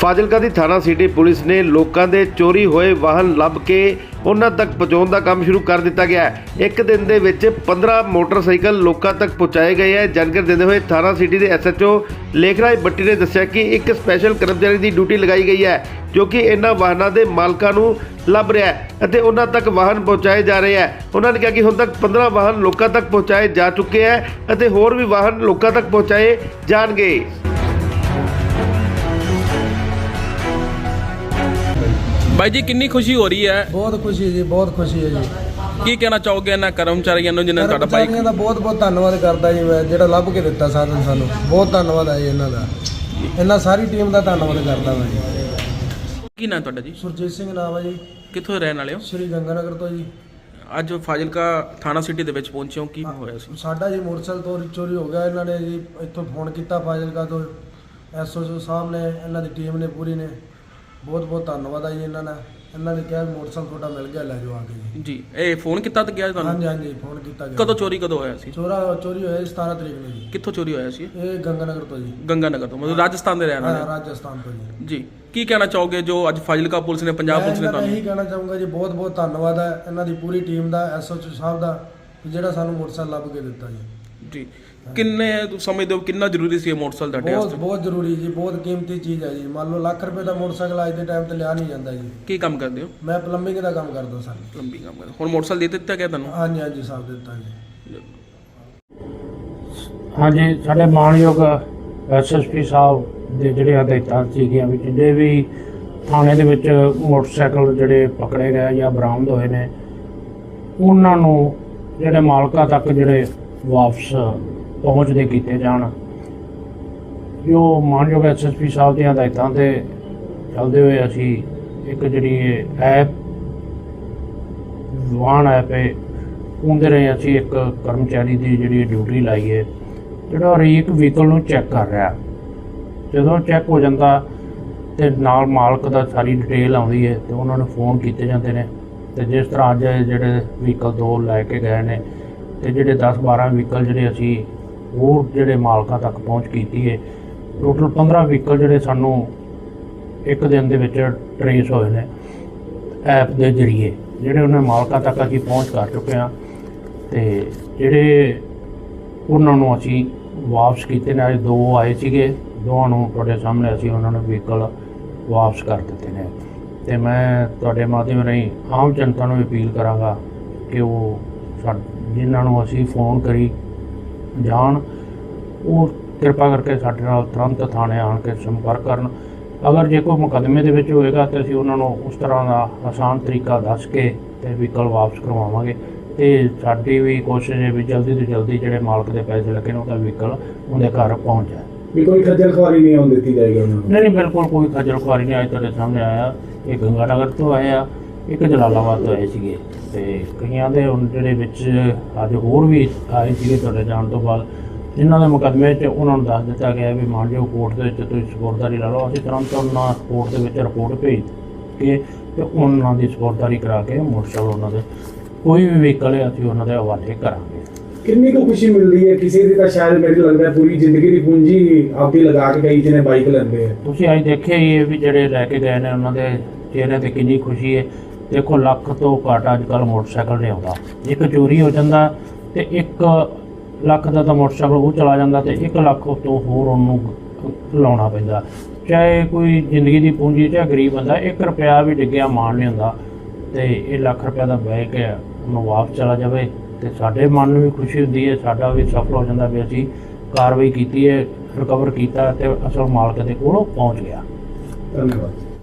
ਫਾਜ਼ਿਲਕਾ ਦੀ ਥਾਣਾ city police ਨੇ ਲੋਕਾਂ ਦੇ ਚੋਰੀ ਹੋਏ ਵਾਹਨ ਲੱਭ ਕੇ ਉਹਨਾਂ ਤੱਕ ਪਹੁੰਚਾਉਣ ਦਾ ਕੰਮ ਸ਼ੁਰੂ ਕਰ ਦਿੱਤਾ ਗਿਆ ਹੈ। ਇੱਕ ਦਿਨ ਦੇ ਵਿੱਚ 15 ਮੋਟਰਸਾਈਕਲ ਲੋਕਾਂ ਤੱਕ ਪਹੁੰਚਾਏ ਗਏ ਹੈ। ਜਾਣਕਾਰੀ ਦਿੰਦੇ ਹੋਏ ਥਾਣਾ ਸਿਟੀ ਦੇ SHO ਲੇਖਰਾਜ ਬੱਟੀ ਨੇ ਦੱਸਿਆ ਕਿ ਇੱਕ ਸਪੈਸ਼ਲ ਕਰਮਚਾਰੀ ਦੀ ਡਿਊਟੀ ਲਗਾਈ ਗਈ ਹੈ ਜੋ ਕਿ ਇਹਨਾਂ ਵਾਹਨਾਂ ਦੇ ਮਾਲਕਾਂ ਨੂੰ ਲੱਭ ਰਿਹਾ ਹੈ ਅਤੇ ਉਹਨਾਂ ਤੱਕ ਵਾਹਨ ਪਹੁੰਚਾਏ ਜਾ ਰਹੇ ਹੈ। ਉਹਨਾਂ ਨੇ ਕਿਹਾ ਕਿ ਹੁਣ ਤੱਕ 15 ਵਾਹਨ ਲੋਕਾਂ ਤੱਕ ਪਹੁੰਚਾਏ ਜਾ ਚੁੱਕੇ ਹੈ ਅਤੇ ਹੋਰ ਵੀ ਵਾਹਨ ਲੋਕਾਂ ਤੱਕ ਪਹੁੰਚਾਏ ਜਾਣਗੇ। भाई जी कितनी खुशी हो रही है? बहुत खुशी जी, बहुत खुशी है जी। की कहना चाहोगे इन्होंने कर्मचारियों ਨੂੰ ਜਿਨ੍ਹਾਂ ਤੁਹਾਡਾ ਬਾਈਕ कर्मचारियों ਦਾ ਬਹੁਤ ਬਹੁਤ ਧੰਨਵਾਦ ਕਰਦਾ ਜੀ ਮੈਂ, ਜਿਹੜਾ ਲੱਭ ਕੇ ਦਿੱਤਾ ਸਾਧਨ ਸਾਨੂੰ। ਬਹੁਤ ਧੰਨਵਾਦ ਹੈ ਜੀ ਇਹਨਾਂ ਦਾ, ਇਹਨਾਂ ਸਾਰੀ ਟੀਮ ਦਾ ਧੰਨਵਾਦ ਕਰਦਾ ਮੈਂ ਜੀ। ਕੀ ਨਾਮ ਤੁਹਾਡਾ ਜੀ? ਸੁਰਜੀਤ ਸਿੰਘ ਨਾਮ ਹੈ ਜੀ, ਕਿੱਥੋਂ ਰਹਿਣ ਵਾਲੇ ਹੋ? ਸ਼੍ਰੀ ਗੰਗਾਨਗਰ ਤੋਂ ਜੀ। ਅੱਜ ਫਾਜ਼ਿਲਕਾ ਥਾਣਾ ਸਿਟੀ ਦੇ ਵਿੱਚ ਪਹੁੰਚੇ ਹੋ, ਕੀ ਹੋਇਆ ਸੀ? ਸਾਡਾ ਜੀ ਮੋਟਰਸਾਈਕਲ ਤੋਂ ਚੋਰੀ ਹੋ ਗਿਆ। ਇਹਨਾਂ ਨੇ ਜੀ ਇੱਥੋਂ ਫੋਨ ਕੀਤਾ ਫਾਜ਼ਿਲਕਾ ਤੋਂ, SHO ਸਾਹਿਬ ਨੇ, ਇਹਨਾਂ ਦੀ ਟੀਮ ਨੇ ਪੂਰੀ ਨੇ। ਬਹੁਤ ਬਹੁਤ ਧੰਨਵਾਦ ਹੈ ਜੀ ਇਹਨਾਂ ਨੇ ਕਿਹਾ ਵੀ ਮੋਟਰਸਾਈਕਲ ਤੁਹਾਡਾ ਮਿਲ ਗਿਆ, ਲੈ ਜਾਓ ਆ ਕੇ ਜੀ। ਇਹ ਫੋਨ ਕੀਤਾ ਤਾਂ ਗਿਆ ਤੁਹਾਨੂੰ? ਹਾਂਜੀ ਹਾਂਜੀ, ਫੋਨ ਕੀਤਾ ਗਿਆ। ਕਦੋਂ ਚੋਰੀ ਕਦੋਂ ਹੋਇਆ ਸੀ? ਚੋਰੀ ਹੋਇਆ 17 ਤਰੀਕ ਨੂੰ ਜੀ। ਕਿੱਥੋਂ ਚੋਰੀ ਹੋਇਆ ਸੀ? ਇਹ ਗੰਗਾਨਗਰ ਤੋਂ ਜੀ। ਗੰਗਾਨਗਰ ਤੋਂ, ਮਤਲਬ ਰਾਜਸਥਾਨ ਦੇ ਰਹਿਣ ਹਾਂ, ਵਾਲੇ? ਰਾਜਸਥਾਨ ਤੋਂ ਜੀ। ਜੀ। ਕੀ ਕਹਿਣਾ ਚਾਹੋਗੇ ਜੋ ਅੱਜ ਫਾਜ਼ਿਲਕਾ ਪੁਲਿਸ ਨੇ, ਪੰਜਾਬ ਪੁਲਿਸ ਨੇ ਮੈਂ ਤੁਹਾਨੂੰ? ਇਹੀ ਕਹਿਣਾ ਚਾਹੂੰਗਾ ਜੀ, ਬਹੁਤ ਬਹੁਤ ਧੰਨਵਾਦ ਹੈ ਇਹਨਾਂ ਦੀ ਪੂਰੀ ਟੀਮ ਦਾ, SHO ਸਾਹਿਬ ਦਾ, ਜਿਹੜਾ ਸਾਨੂੰ ਮੋਟਰਸਾਈਕਲ ਲੱਭ ਕੇ ਦਿੱਤਾ ਜੀ। ਜੀ। ਕਿੰਨੇ ਸਮਝਦੇ ਹੋ ਕਿੰਨਾ ਜ਼ਰੂਰੀ ਸੀ ਇਹ ਮੋਟਰਸਾਈਕਲ ਤੁਹਾਡੇ ਬਹੁਤ ਵਾਸਤੇ? ਬਹੁਤ ਜ਼ਰੂਰੀ ਜੀ, ਬਹੁਤ ਕੀਮਤੀ ਚੀਜ਼ ਹੈ ਜੀ। ਮੰਨ ਲਓ ਲੱਖ ਰੁਪਏ ਦਾ ਮੋਟਰਸਾਈਕਲ ਅੱਜ ਦੇ ਟਾਈਮ ਤੇ ਲਿਆ ਨਹੀਂ ਜਾਂਦਾ ਜੀ। ਕੀ ਕੰਮ ਕਰਦੇ ਹੋ? ਮੈਂ ਪਲੰਬਿੰਗ ਦਾ ਕੰਮ ਕਰਦਾ ਸਰ। ਲੰਬੀ ਕੰਮ ਕਰਦੇ। ਹੁਣ ਮੋਟਰਸਾਈਕਲ ਦੇ ਦਿੱਤਾ ਗਿਆ ਤੁਹਾਨੂੰ? ਹਾਂਜੀ ਹਾਂਜੀ, ਸਾਹਿਬ ਦਿੱਤਾ ਜੀ। ਹਾਂਜੀ, ਸਾਡੇ ਮਾਣਯੋਗ SSP ਸਾਹਿਬ ਦੇ ਜਿਹੜੇ ਹਦਾਇਤਾਂ ਸੀਗੀਆਂ ਵੀ ਜਿਹੜੇ ਵੀ ਥਾਣੇ ਦੇ ਵਿੱਚ ਮੋਟਰਸਾਈਕਲ ਜਿਹੜੇ ਪਕੜੇ ਗਏ ਜਾਂ ਬਰਾਮਦ ਹੋਏ ਨੇ, ਉਹਨਾਂ ਨੂੰ ਜਿਹੜੇ ਮਾਲਕਾਂ ਤੱਕ ਜਿਹੜੇ ਵਾਪਸ ਪਹੁੰਚਦੇ ਕੀਤੇ ਜਾਣ। ਜੋ ਮਾਣਯੋਗ SSP ਸਾਹਿਬ ਦੀਆਂ ਹਦਾਇਤਾਂ 'ਤੇ ਚੱਲਦੇ ਹੋਏ ਅਸੀਂ ਇੱਕ ਜਿਹੜੀ ਐਪ ਵਾਹਨ ਐਪ ਹੈ ਉਹਦੇ ਰਾਹੀਂ ਅਸੀਂ ਇੱਕ ਕਰਮਚਾਰੀ ਦੀ ਜਿਹੜੀ ਡਿਊਟੀ ਲਾਈ ਹੈ, ਜਿਹੜਾ ਹਰੇਕ ਵਹੀਕਲ ਨੂੰ ਚੈੱਕ ਕਰ ਰਿਹਾ। ਜਦੋਂ ਚੈੱਕ ਹੋ ਜਾਂਦਾ ਤੇ ਨਾਲ ਮਾਲਕ ਦਾ ਸਾਰੀ ਡਿਟੇਲ ਆਉਂਦੀ ਹੈ ਤੇ ਉਹਨਾਂ ਨੂੰ ਫੋਨ ਕੀਤੇ ਜਾਂਦੇ ਨੇ। ਤੇ ਜਿਸ ਤਰ੍ਹਾਂ ਅੱਜ ਜਿਹੜੇ ਵਹੀਕਲ 2 ਲੈ ਕੇ ਗਏ ਨੇ ਤੇ ਜਿਹੜੇ 10-12 ਵਹੀਕਲ ਜਿਹੜੇ ਅਸੀਂ ਹੋਰ ਜਿਹੜੇ ਮਾਲਕਾਂ ਤੱਕ ਪਹੁੰਚ ਕੀਤੀ ਹੈ, ਟੋਟਲ 15 ਵਹੀਕਲ ਜਿਹੜੇ ਸਾਨੂੰ ਇੱਕ ਦਿਨ ਦੇ ਵਿੱਚ ਟਰੇਸ ਹੋਏ ਨੇ ਐਪ ਦੇ ਜ਼ਰੀਏ, ਜਿਹੜੇ ਉਹਨਾਂ ਮਾਲਕਾਂ ਤੱਕ ਅਸੀਂ ਪਹੁੰਚ ਕਰ ਚੁੱਕੇ ਹਾਂ। ਤੇ ਜਿਹੜੇ ਉਹਨਾਂ ਨੂੰ ਅਸੀਂ ਵਾਪਸ ਕੀਤੇ ਨੇ, ਅੱਜ 2 ਆਏ ਸੀਗੇ, ਦੋਵਾਂ ਨੂੰ ਤੁਹਾਡੇ ਸਾਹਮਣੇ ਅਸੀਂ ਉਹਨਾਂ ਨੂੰ ਵਹੀਕਲ ਵਾਪਸ ਕਰ ਦਿੱਤੇ ਨੇ। ਤੇ ਮੈਂ ਤੁਹਾਡੇ ਮਾਧਿਅਮ ਰਾਹੀਂ ਆਮ ਜਨਤਾ ਨੂੰ ਅਪੀਲ ਕਰਾਂਗਾ ਕਿ ਉਹ ਜਿਨ੍ਹਾਂ ਨੂੰ ਅਸੀਂ ਫੋਨ ਕਰੀ ਜਾਣ, ਉਹ ਕਿਰਪਾ ਕਰਕੇ ਸਾਡੇ ਨਾਲ ਤੁਰੰਤ ਥਾਣੇ ਆਣ ਕੇ ਸੰਪਰਕ ਕਰਨ। ਅਗਰ ਜੇ ਕੋਈ ਮੁਕੱਦਮੇ ਦੇ ਵਿੱਚ ਹੋਏਗਾ ਤਾਂ ਅਸੀਂ ਉਹਨਾਂ ਨੂੰ ਉਸ ਤਰ੍ਹਾਂ ਦਾ ਆਸਾਨ ਤਰੀਕਾ ਦੱਸ ਕੇ ਤੇ ਵਹੀਕਲ ਵਾਪਸ ਕਰਵਾਵਾਂਗੇ। ਤੇ ਸਾਡੀ ਵੀ ਕੋਸ਼ਿਸ਼ ਹੈ ਵੀ ਜਲਦੀ ਤੋਂ ਜਲਦੀ ਜਿਹੜੇ ਮਾਲਕ ਦੇ ਪੈਸੇ ਲੱਗੇ ਨੇ ਉਹਦਾ ਵਹੀਕਲ ਉਹਦੇ ਘਰ ਪਹੁੰਚ ਜਾਏ। ਵੀ ਕੋਈ ਖੱਜਲ ਖੁਆਰੀ ਨਹੀਂ ਹੋਣ ਦਿੱਤੀ ਜਾਏਗੀ ਉਹਨਾਂ ਨੂੰ? ਨਹੀਂ, ਬਿਲਕੁਲ ਕੋਈ ਖੱਜਲ ਖੁਆਰੀ ਨਹੀਂ। ਅੱਜ ਤੁਹਾਡੇ ਸਾਹਮਣੇ ਆਇਆ, ਇਹ ਗੰਗਾਨਗਰ ਤੋਂ ਆਏ ਆ, ਇੱਕ ਜਲਾਲਾਬਾਦ ਤੋਂ ਆਏ ਸੀਗੇ। ਤੇ ਕਈਆਂ ਦੇ ਹੁਣ ਜਿਹੜੇ ਵਿੱਚ ਅੱਜ ਹੋਰ ਵੀ ਆਏ ਸੀਗੇ ਤੁਹਾਡੇ ਜਾਣ ਤੋਂ ਬਾਅਦ, ਜਿਨ੍ਹਾਂ ਦੇ ਮੁਕੱਦਮੇ 'ਚ ਉਹਨਾਂ ਨੂੰ ਦੱਸ ਦਿੱਤਾ ਗਿਆ ਵੀ ਮਾਣਯੋਗ ਕੋਰਟ ਦੇ ਵਿੱਚ ਤੁਸੀਂ ਸਪੁਰਦਗੀ ਲਾ ਲਓ। ਅਸੀਂ ਤੁਰੰਤ ਉਹਨਾਂ ਕੋਰਟ ਦੇ ਵਿੱਚ ਰਿਪੋਰਟ ਭੇਜ ਕੇ ਤੇ ਉਹਨਾਂ ਦੀ ਸਪੁਰਦਗੀ ਕਰਾ ਕੇ ਮੋਟਰਸਾਈਕਲ ਉਹਨਾਂ ਦੇ ਕੋਈ ਵੀ ਵਹੀਕਲ ਹੈ ਅਸੀਂ ਉਹਨਾਂ ਦੇ ਹਵਾਲੇ ਕਰਾਂਗੇ। ਕਿੰਨੀ ਕੁ ਖੁਸ਼ੀ ਮਿਲਦੀ ਹੈ? ਕਿਸੇ ਦੀ ਤਾਂ ਸ਼ਾਇਦ ਮੈਨੂੰ ਲੱਗਦਾ ਪੂਰੀ ਜ਼ਿੰਦਗੀ ਦੀ ਪੂੰਜੀ ਆਪਦੀ ਲਗਾ ਕੇ ਕਈ ਜਿਹਨੇ ਬਾਈਕ ਲੈਂਦੇ ਆ। ਤੁਸੀਂ ਅੱਜ ਦੇਖਿਆ ਹੀ ਹੈ ਵੀ ਜਿਹੜੇ ਲੈ ਕੇ ਗਏ ਨੇ ਉਹਨਾਂ ਦੇ ਚਿਹਰੇ 'ਤੇ ਕਿੰਨੀ ਖੁਸ਼ੀ ਹੈ। ਦੇਖੋ, ਲੱਖ ਤੋਂ ਘੱਟ ਅੱਜ ਕੱਲ੍ਹ ਮੋਟਰਸਾਈਕਲ ਨਹੀਂ ਆਉਂਦਾ। ਇੱਕ ਚੋਰੀ ਹੋ ਜਾਂਦਾ ਤੇ 1 ਲੱਖ ਦਾ ਤਾਂ ਮੋਟਰਸਾਈਕਲ ਉਹ ਚਲਾ ਜਾਂਦਾ ਤੇ 1 ਲੱਖ ਤੋਂ ਹੋਰ ਉਹਨੂੰ ਲਾਉਣਾ ਪੈਂਦਾ। ਚਾਹੇ ਕੋਈ ਜ਼ਿੰਦਗੀ ਦੀ ਪੂੰਜੀ, ਚਾਹੇ ਗਰੀਬ ਬੰਦਾ, 1 ਰੁਪਿਆ ਵੀ ਡਿੱਗਿਆ ਮਾਣ ਨਹੀਂ ਹੁੰਦਾ। ਤੇ ਇਹ ਲੱਖ ਰੁਪਏ ਦਾ ਬਾਈਕ ਹੈ, ਉਹਨੂੰ ਵਾਪਸ ਚਲਾ ਜਾਵੇ ਤੇ ਸਾਡੇ ਮਨ ਨੂੰ ਵੀ ਖੁਸ਼ੀ ਹੁੰਦੀ ਹੈ, ਸਾਡਾ ਵੀ ਸਫਲ ਹੋ ਜਾਂਦਾ ਵੀ ਅਸੀਂ ਕਾਰਵਾਈ ਕੀਤੀ ਹੈ, ਰਿਕਵਰ ਕੀਤਾ ਤੇ ਅਸਲ ਮਾਲਕ ਦੇ ਕੋਲ ਪਹੁੰਚ ਗਿਆ। ਧੰਨਵਾਦ।